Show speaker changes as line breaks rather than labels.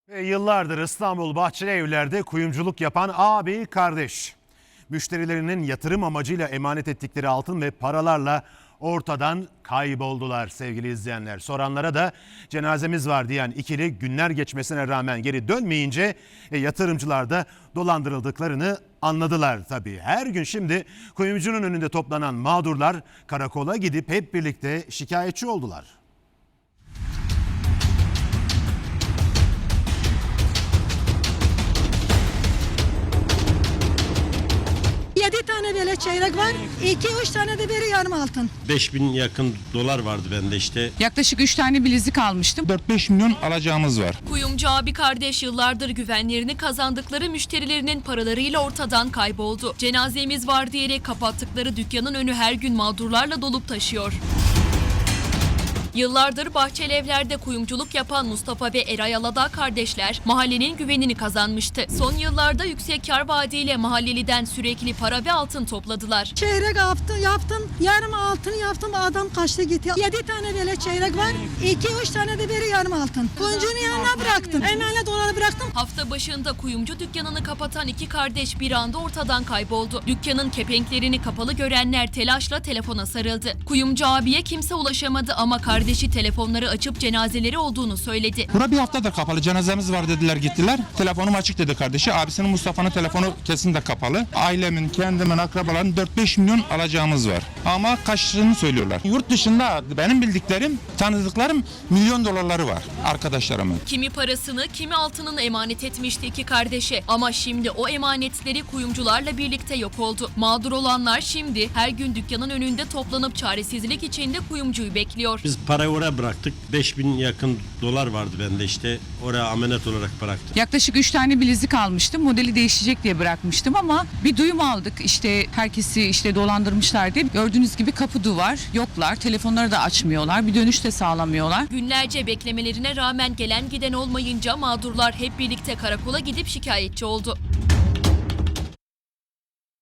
Ve yıllardır İstanbul Bahçelievler'de kuyumculuk yapan abi kardeş. Müşterilerinin yatırım amacıyla emanet ettikleri altın ve paralarla ortadan kayboldular sevgili izleyenler. Soranlara da cenazemiz var diyen ikili günler geçmesine rağmen geri dönmeyince yatırımcılar da dolandırıldıklarını anladılar tabii. Her gün şimdi kuyumcunun önünde toplanan mağdurlar karakola gidip hep birlikte şikayetçi oldular.
Yedi tane böyle çeyrek var. 2-3 tane de biri yarım altın.
5000 yakın dolar vardı bende işte.
Yaklaşık 3 tane bilezik almıştım.
4-5 milyon alacağımız var.
Kuyumcu abi kardeş yıllardır güvenlerini kazandıkları müşterilerinin paralarıyla ortadan kayboldu. Cenazemiz var diyerek kapattıkları dükkanın önü her gün mağdurlarla dolup taşıyor. Yıllardır Bahçelievler'de kuyumculuk yapan Mustafa ve Eray Aladağ kardeşler mahallenin güvenini kazanmıştı. Son yıllarda yüksek kar vaadiyle mahalleliden sürekli para ve altın topladılar.
Çeyrek yaptım, yarım altın yaptım, adam kaçtı gitti. 7 tane böyle çeyrek var. 2-3 tane de biri yarım altın. Kuyumcunun yanına bıraktım. Emanet doları bıraktım.
Hafta başında kuyumcu dükkanını kapatan iki kardeş bir anda ortadan kayboldu. Dükkanın kepenklerini kapalı görenler telaşla telefona sarıldı. Kuyumcu abiye kimse ulaşamadı ama kardeşi telefonları açıp cenazeleri olduğunu söyledi.
Bura bir haftadır kapalı, cenazemiz var dediler, gittiler. Telefonum açık dedi kardeşi. Abisinin, Mustafa'nın telefonu kesin de kapalı. Ailemin, kendimin, akrabaların 4-5 milyon alacağımız var. Ama kaçtığını söylüyorlar. Yurt dışında benim bildiklerim, tanıdıklarım milyon dolarları var arkadaşlarımın.
Kimi parasını, kimi altınını emanet etmişti iki kardeşe. Ama şimdi o emanetleri kuyumcularla birlikte yok oldu. Mağdur olanlar şimdi her gün dükkanın önünde toplanıp çaresizlik içinde kuyumcuyu bekliyor.
Biz parayı oraya bıraktık. 5000 yakın dolar vardı bende işte. Oraya amenet olarak bıraktık.
Yaklaşık 3 tane bilezik almıştım. Modeli değişecek diye bırakmıştım ama bir duyum aldık. İşte herkesi dolandırmışlar diye. Gördüğünüz gibi kapı duvar, yoklar. Telefonları da açmıyorlar. Bir dönüş de sağlamıyorlar.
Günlerce beklemelerine rağmen gelen giden olmayınca mağdurlar hep birlikte karakola gidip şikayetçi oldu.